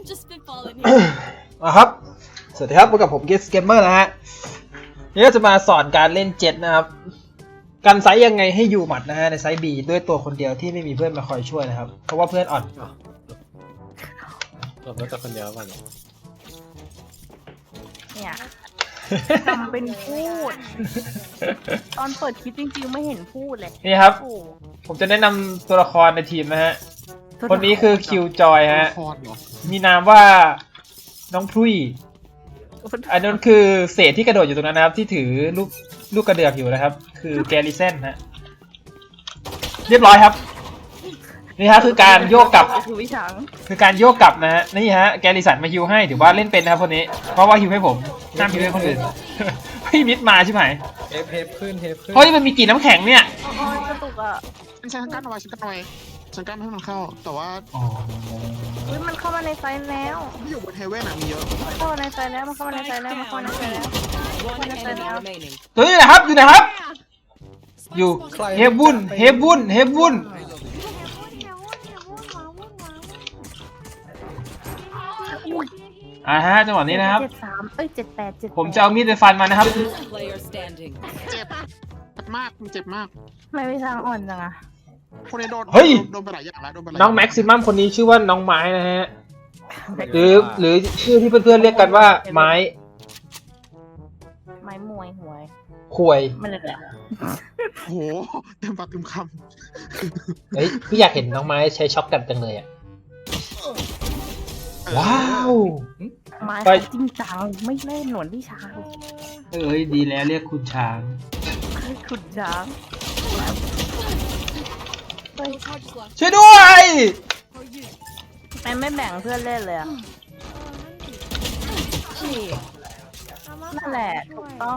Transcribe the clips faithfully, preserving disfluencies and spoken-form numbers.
อ่ะครับสวัสดีครับพบกับผมเกสเกมเมอร์นะฮะนี่ก็จะมาสอนการเล่นเจ็ตนะครับกันไซส์ยังไงให้อยู่หมัดนะฮะในไซส์ B ด้วยตัวคนเดียวที่ไม่มีเพื่อนมาคอยช่วยนะครับเพราะว่าเพื่อนอ่อนเราต้องจับคนเดียวก่อนเนี่ยทำเป็นพูด ตอนเปิดคลิปจริงๆไม่เห็นพูดเลยนี่ครับโอ้ผมจะแนะนำตัวละครในทีมนะฮะคนนี้คือคิวจอยฮะมีนามว่าน้องพลุยอันนั้นคือเศษที่กระโดดอยู่ตรงนั้นนะครับที่ถือลูกลูกกระเดือกอยู่นะครับคือแกลิเซนฮะเรียบร้อยครับนี่ฮะคือการโยกกลับคือวิชังคือการโยกกลับนะฮะนี่ฮะแกลิสันมาฮิวให้ถือว่าเล่นเป็นนะครับคนนี้เพราะว่าฮิวให้ผมห้ามฮิวให้คนอื่น เฮ้ยมิดมาใช่ไหมเทปเทปขึ้นเทปขึ้นเฮ้ยมันมีกี่น้ำแข็งเนี่ยอ๋อกระตุกอ่ะฉันกั้นเอาไว้ฉันกั้นเอาไว้ฉันกั้นไม่ให้มันเข้าแต่ว่าอ๋อเฮ้ยมันเข้ามาในไซส์แล้วที่อยู่บนเฮเว่นอะมีเยอะมันเข้ามาในไซส์แล้วมันเข้ามาในไซส์แล้วมันเข้ามาในไซส์แล้วมันเข้ามาในไซส์แล้วตัวนี้นะครับอยู่ไหนครับอยู่เฮบุนเฮบุนเฮบุนอ่าฮะจังหวะนี้นะครับเจ็ดสามเอ้ยเจ็ดแปดเจ็ดผมจะเอามีดไปฟันมันนะครับเจ็บเจ็บมากมันเจ็บมากไม่วิชังอ่อนจังอะคนนี้โดนเฮ้ยโดนไปหลายอย่างแล้วโดนไปหลายน้องแม็กซิมัมคนนี้ชื่อว่าน้องไม้นะฮะหรือหรือชื่อที่เพื่อนๆเรียกกันว่าไม้ไม้มวยหวยควยมันเลยแหละโอ้โหเต็มปากเต็มคเฮ้ยพี่อยากเห็นน้องไม้ใช้ช็อปกันจังเลยอ่ะำว้าวไม้ไปเขาจริงจังไม่เล่นหนวดวิชางเอ้ยดีแล้วเรียกคุณช้างขุดช้างช่วยด้วยไม่ไม่แบ่งเพื่อนเล่นเลยอะนั่นแหละถูกต้อง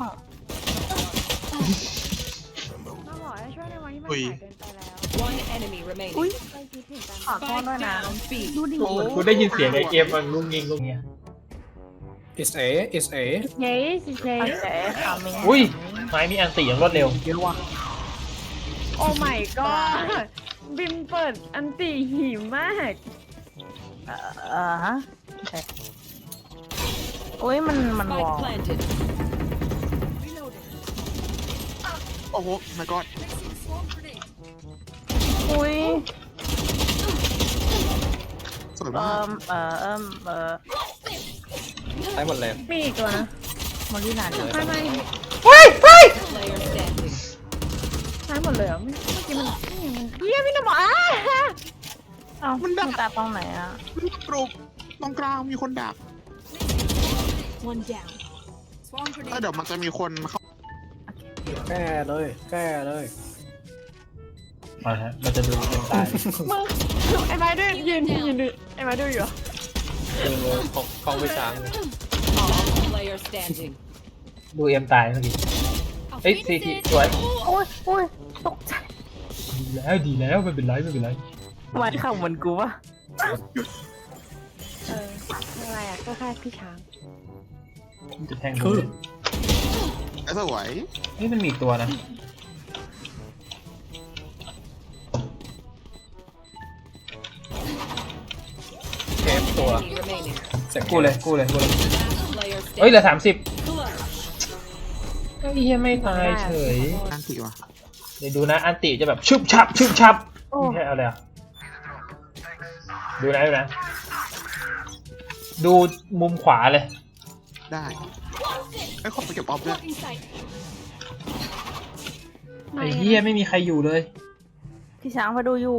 อุ้ยอุ้ยขอโทษด้วยนะดูดิคุณได้ยินเสียงไอเกมมันงุ้งงิงงุ้งเงี้ยอิสเออิสเอเย้สิเย้ขามิงอุ้ยไม้มีอันตีอย่างรวดเร็วเยอะว่ะโอ้ my god บิมเปิดอันตีหิมมากเอ่อฮะโอ้ยมันมันวอลโอ้โห my god อุ้ยสวยเอ่มากอเอ่อเอ่อเอ่อใช้หมดเลยมีอีกตัวนะมอลลี่นานเลยไม่ไม่เฮ้ยเฮ้ยใช้หมดเลยเหรอเมื่อกี้มันเยี่ยพี่น้ำหมออ้าเอ้ามันตาตรงไหนอ่ะปลุกตรงกลางมีคนดักแล้วเดี๋ยวมันจะมีคนเข้าแก้เลยแก้เลยมาฮะเราจะดูกันตายมึงไอ้ไม้ด้วยยืนยืนดูไอ้ไม้ด้วยอยู่เหรอคือของของไปช้างดูเอ็มตายเมื่อกี้เฮ้ยซีทีสวยโอ้ยโอ้ยตกใจดีแล้วดีแล้วไม่เป็นไรไม่เป็นไรวันข่าวเหมือนกูวะเอออะไรอ่ะก็แค่พี่ช้างมันจะแทงคือไอ้สวยนี่มันมีอีกตัวนะเทปตัวเสร็จกูเลยกูเลยกูเลยเฮ้ยเหลือสามสิบเฮ้ยยังไม่ตายเฉยอันติว่ะเดี๋ยวดูนะอันติจะแบบชุบชับชุบชับไม่ใช่เอาเลยอ่ะดูนะดูนะ ดูมุมขวาเลยได้ไอ้ขอไปเก็บออฟด้วยไอ้เหี้ยไม่มีใครอยู่เลยพี่ช้างมาดูอยู่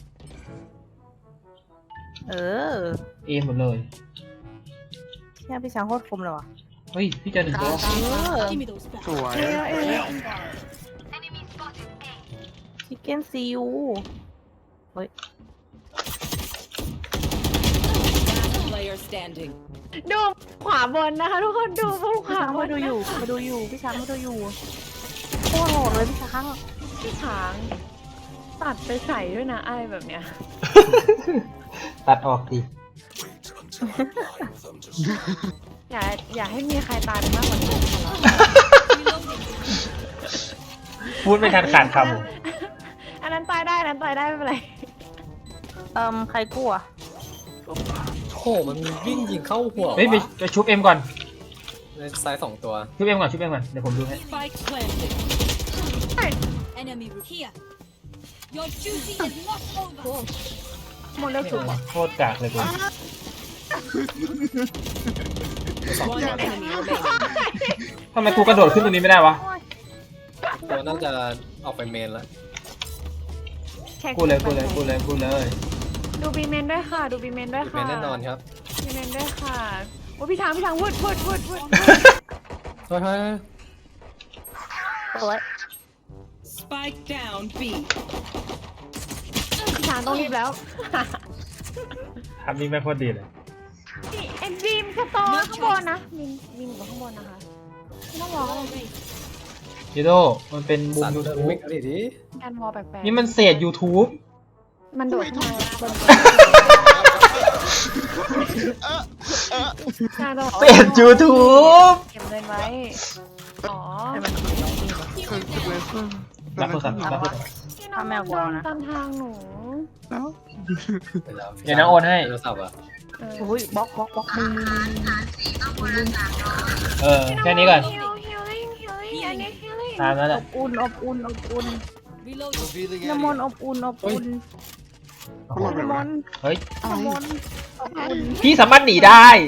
เออเอหมดเลยแค่พี่ช้างโคตรคมเลยว่ะเฮ้ยพี่เจอหนึ่งตัวเออสวยเอ้ยเอ้ยชิคเก้นซีอูเฮ้ยดูขวาบนนะคะทุกคนดูพวกขวาช้างบมาน ดูอยู่มาดูอยู่พี่ช้างมาดูอยู่โคตรโหดเลยพี่ช้างพี่ช้างตัดไปใส่ด้วยนะไอ้แบบเนี้ยตัดออกดิอย่าอย่าให้มีใครตายไปมากกว่านี้พูดไม่ทันขาดคอันนั้นตายได้อันนั้นตายได้ไม่เป็นไรเอ่มใครกลัวหมันวิ่งยิงเข้าหัวเฮ้ยไปวะไปชุบเอ็มก่อนในซ้ายสองตัวชุบเอ็มก่อนชุบเอ็มก่อนเดี๋ยวผมดูให้ Spike planted. Enemy here. Your duty is not over. หมดแล้วถูกปะโคตรกากเลยกู One enemy remaining. ทำไมกูกระโดดขึ้นตรงนี้ไม่ได้วะตัวน่าจะออกไปเมนแล้วแค่กูเลยกูเลยกูเลยกูเลยดูบีเมนด้วยค่ะ ดูบีเมนด้วยเมค่ะนแน่นอนครับบีเมนด้วยค่ะโอ้พี่ช้างพี่ช้างวุดวุดวุดวุดเฮ้ยเฮ้ยโอ้ย Spike down B. พี่ช้างต้องรีบแล้วทำนี่ไม่โคตรดีเลยนี่เอ็นบีมสตอร์ข้างบนนะบีมบีมอยู่ข้างบนนะคะไม่ต้องรออะไรยูโดมันเป็นบูสัมนยูเดินทูบวิ่งอะไรดิการวอลแปลกๆนี่มันเศษ YouTube มันโดดขึ้นมาบนการจะบอกเศษ YouTube เก็บเงินไว้อ๋อรับโทรศัพท์รับโทรศัพท์พี่น้องมันเดินตามทางหนูเดี๋ยวนะโอนให้โทรศัพท์อ่ะเออโอ้ยบล็อกบล็อกบล็อกมือมือมือเออแค่นี้ก่อนฮิลฮิลลิ่งฮิลลิ่งอันนี้ฮิลลิ่งตามนั้นแหอละบอุ่นอบอุ่นอบอุ่น Reload. น้ำมนต์อบอุ่นอบอุ่นน้ำมนต์เฮ้ยน้ำมนต์อบอุ่นพี่สามารถหนีได้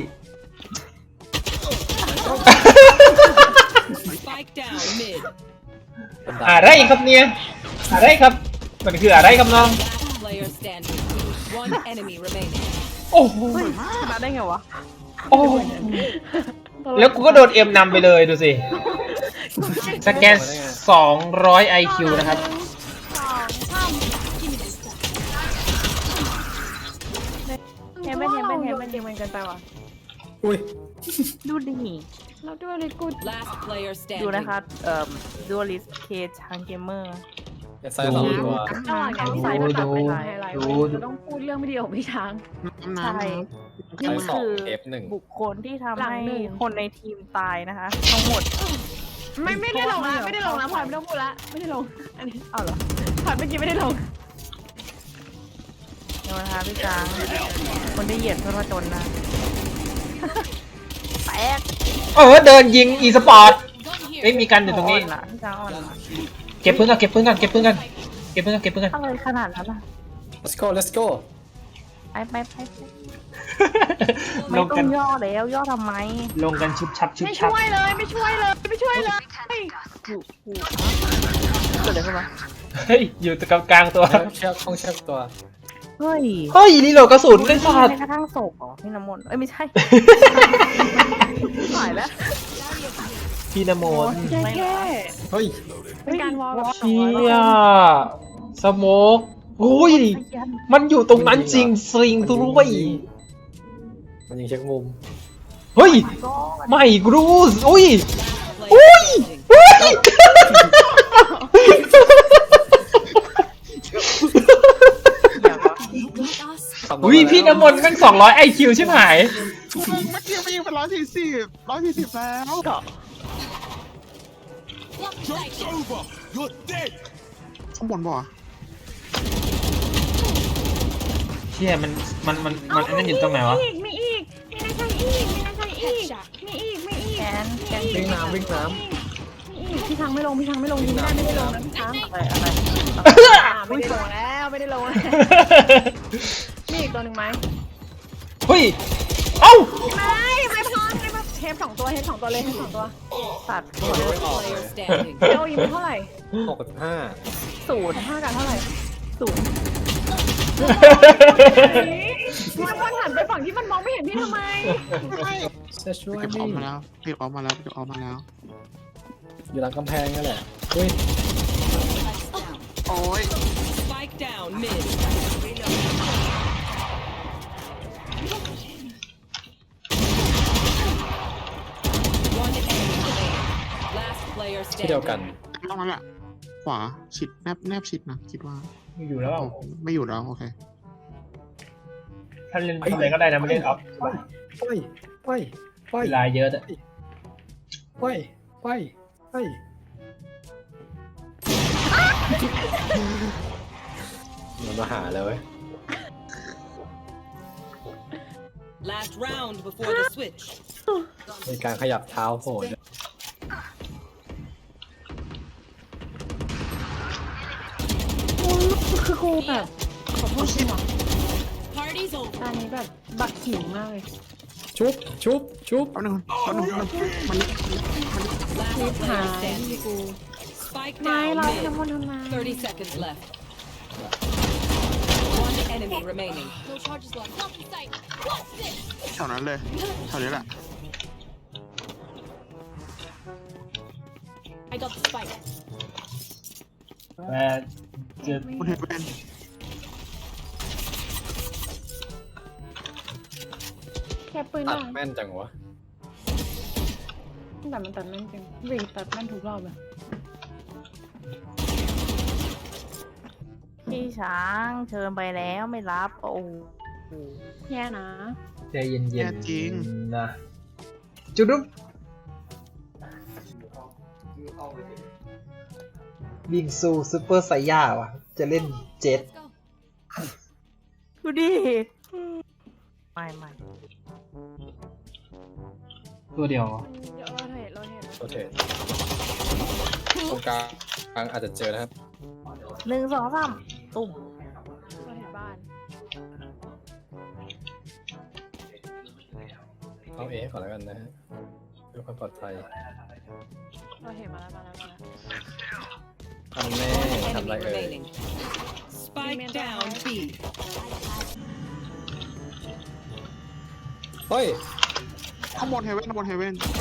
Spike down mid. อะไรครับเนี่ยอะไรครับมันคืออะไรครับน้อง Last player standing. One enemy remaining. โอ้โหเฮ้ยชนะได้ไงวะโอ้โหแล้วกูก็โดนเอ็มนำไปเลยดูสิสแกนสองร้อย ไอ คิว นะครับเห็นไหมเห็นไหมเห็นไหมจริงมันเกินไปว่ะอุ้ยดูดิเราด้วยเลยกู Last player ดู standing. นะคะเอ่อดูลิสเคชางเกมเมอร์ซ้ายสองตัวระหว่างการที่สายตัดไปถ่ายอะไรดูเราต้องพูดเรื่องไม่ดีของพี่ช้างใช่ซ้านี่ยสองคือเอฟหนึ่งบุคคลที่ทำหลังให้หนึ่งคนในทีมตายนะคะ ทั้งหมดไม่ไม่ได้ลงนะไม่ได้ลงนะพลอยไม่ต้องพูดละไม่ได้ลงอันนี้เอาเหรอพลอยเมื่อกี้ไม่ได้ลงเดี๋ยวนะคะพี่จางคนที่เหยียดคนว่าจนนะแตกเออเดินยิงอีสปอร์ต Gun here. เอ้ยมีกันอยู่ตรงนี้อ่อนละพี่จางอ่อนละเก็บปืนกันเก็บปืนกันเก็บปืนกันเก็บปืนกันเก็บปืนกันอะไรขนาดนั้นล่ะ let's go let's go ไปไปไปไปไม่ลงต้กัอน งย่อแล้วย่อทำไมลงกันชุบชับชุบไม่ชับช่วยเลยไม่ช่วยเลยไม่ช่วยเลยกูกูเกิดอะไรขึ้นวะเฮ้ยอยู่ตรงกลางตัวเชือกต้องเชือกตัวเฮ้ยเฮ้ยรีโหลดกระสุนเลยสัตแม้ว์กระทั่งศพเหรอพี่น้ำมนต์เอ้ยไม่ใช่หายแล้วพี่นโมนแค่แค่เฮ้ยเป็นการวอลแบบเชี่ยสโมกอุ้ยมันอยู่ตรงนั้นจริงสริงด้วยมันยิงเช็คมุมเฮ้ยก็ไม่กรูสอุ้ย Player standing. อุ้ย อุ้ยพี่น้ำมนต์แม่งสองร้อยไอคิวใช่ไหมเมื่อกี้ไปยิงเป็นร้อยสี่สิบร้อยสี่สิบแล้ว ข้างบนบ่เชี่ยมันมันมันมันอันนั้นอยู่ตรงไหนวะอีกมีอีกมีนาชัยอีกมีนาชัยอีกมีอีกมีอีกแกนแกนวิ่งน้ำวิ่งน้มีอีกพี่ช้างไม่ลงพี่ช้างไม่ลงยิงได้ไม่ได้ลงนะพี่ช้างอะไรอะไรอ่าไม่ได้ลงแล้วไม่ได้ลงแล้วมีอีกตัวหนึ่งไหมเฮ้ยเอ้าไม่ไม่พอไม่พอเทปสองตัวเทปสองตัวเลยเทปสองตัวตัดำไม่ออกเล Player ย standing. เจ้ายิงไปเท่าไหร่หกสิบห้าศูนย์ห้ากันเท่าไหร่ศูนย์มันมันหันไปฝั่งที่มันมองไม่เห็นพี่ทำไมจะช่วยเก็บอนี่อกมาแล้วเก็บออกมาแล้วเก็บออกมาแล้วอยู่หลังกำแพงนั่นแหละอุ้ยโอ้ย Spike down mid. One enemy remaining. Last player ที่เดียวกัน standing. ต้องนั้นแหละขวาชิดแนบแนบชิดนะคิดว่าอยู่แล้วไม่อยู่แล้วโอเคถ้าเล่นอะไรก็ได้นะไม่เล่นออฟไปไปไปเวลาเยอะอะไปไปไปมันมาหาเลยเว้ย Last round before the switch. มีการขยับเท้าโหดคือกูแบบขอโทษจริงเหรอ Party's over. ตอนนี้แบบบักหิวมากเลยชุบชุบชุบแป๊บนึงแป๊บนึงมัน Last player standing. กู Spike ไม่ down เรา mid. ทำมันทำไม Thirty seconds left. One enemy remaining. No charges left. Not in sight. What's this? แถวนั้นเลยแถวนี้แหละ I got the spike. แต่จะบนเฮเวนแค่ปืนตัได้ดแม่นจังวะแต่มันตัดแม่นจริงวีตัดแม่นทุกรอบเลยพี่ช้างเชิญไปแล้วไม่รับโอ้โหแย่นะใจเย็นๆนะจุดดุ๊บวิ่งสู้ซูเปอร์ไซย่าว่ะ จะเล่นเจ็ตดูดิไม่ไม่ตัวเดียวเดี๋ยวเราเห็นเราเห็นโอเคตรงกลางกลางอาจจะเจอนะครับหนึ่งสองสามตุ่มเราเห็นบ้านเอาเอก่อนแล้วกันนะฮะเพื่อความปลอดภัยเราเห็นมาแล้วมาแล้วมาแล้วทำแน่ One ทำอะไร enemy เอ่ย remaining. Spike down B. เฮ้ยข้างบนเฮเวนข้างบนเฮเวน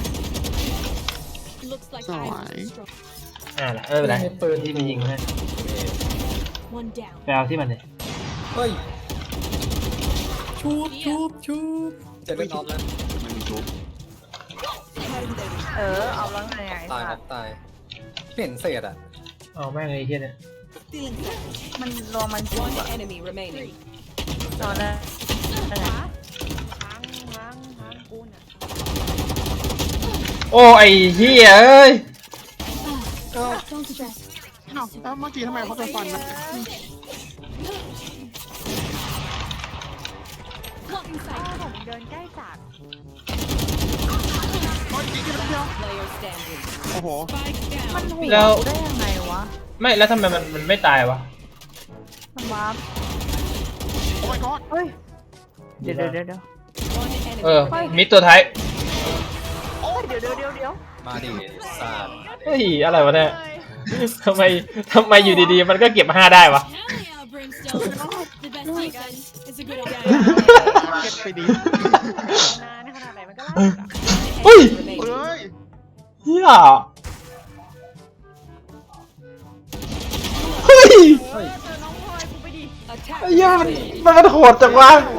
Looks like So I'm I- strong. อ่าละเออเป็นไรปืนที่มันยิงนะ One down. ไปเอาที่มันเลยเฮ้ยชุบชุบชุบจะเล่นออฟแล้วมันมีชุบเออเอาแล้วไงไอ้ตายคสัรัตบว์ตายเปลี่ยนเศษอ่ะเอาแม่งเลยไอ้เฮียเนี่ยมันรวมมันจุ One กอะ enemy remaining. ตอนนั้นนั่นแหละล้างล้างล้างกูน่ะโอ้ไอ้เฮียเอ้ย Don't stress. อ้าวแล้วเมื่อกี้ทำไมเขาจะฟันนะ Not in ถ้า sight. ผมเดินใกล้จัดโอ้ยอีกนิดเดียว Player standing. โอ้โห Spike มัน down. หัวแล้วกูได้ยังไงวะไม่แล้วทำไมมันมันไม่ตายวะมันวาร์ปโอ้ my god เฮ้ยเดี๋ยวเดี๋ยวเดี๋ยวเดี๋ยว One enemy เออ remaining. มิดตัวท้ายเดี๋ยวเดี๋ยวเดี๋ยวเดี๋ยวมาดิสาดเฮ้ยอะไรวะเนี่ยทำไมทำไมอยู่ดีๆ มันก็เก็บห้าได้วะ Hell yeah, Brimstone. The best defense is a good idea. เก็ตไปดีนานขนาดไหนมันก็ไล่อะเฮ้ย Remaining. เฮ้ยเฮียเฮ้ยเออเจอน้องพลอยกูไปดิ Attack. ไอ้เหี้ยมันมันมันโหดจังวะโอ้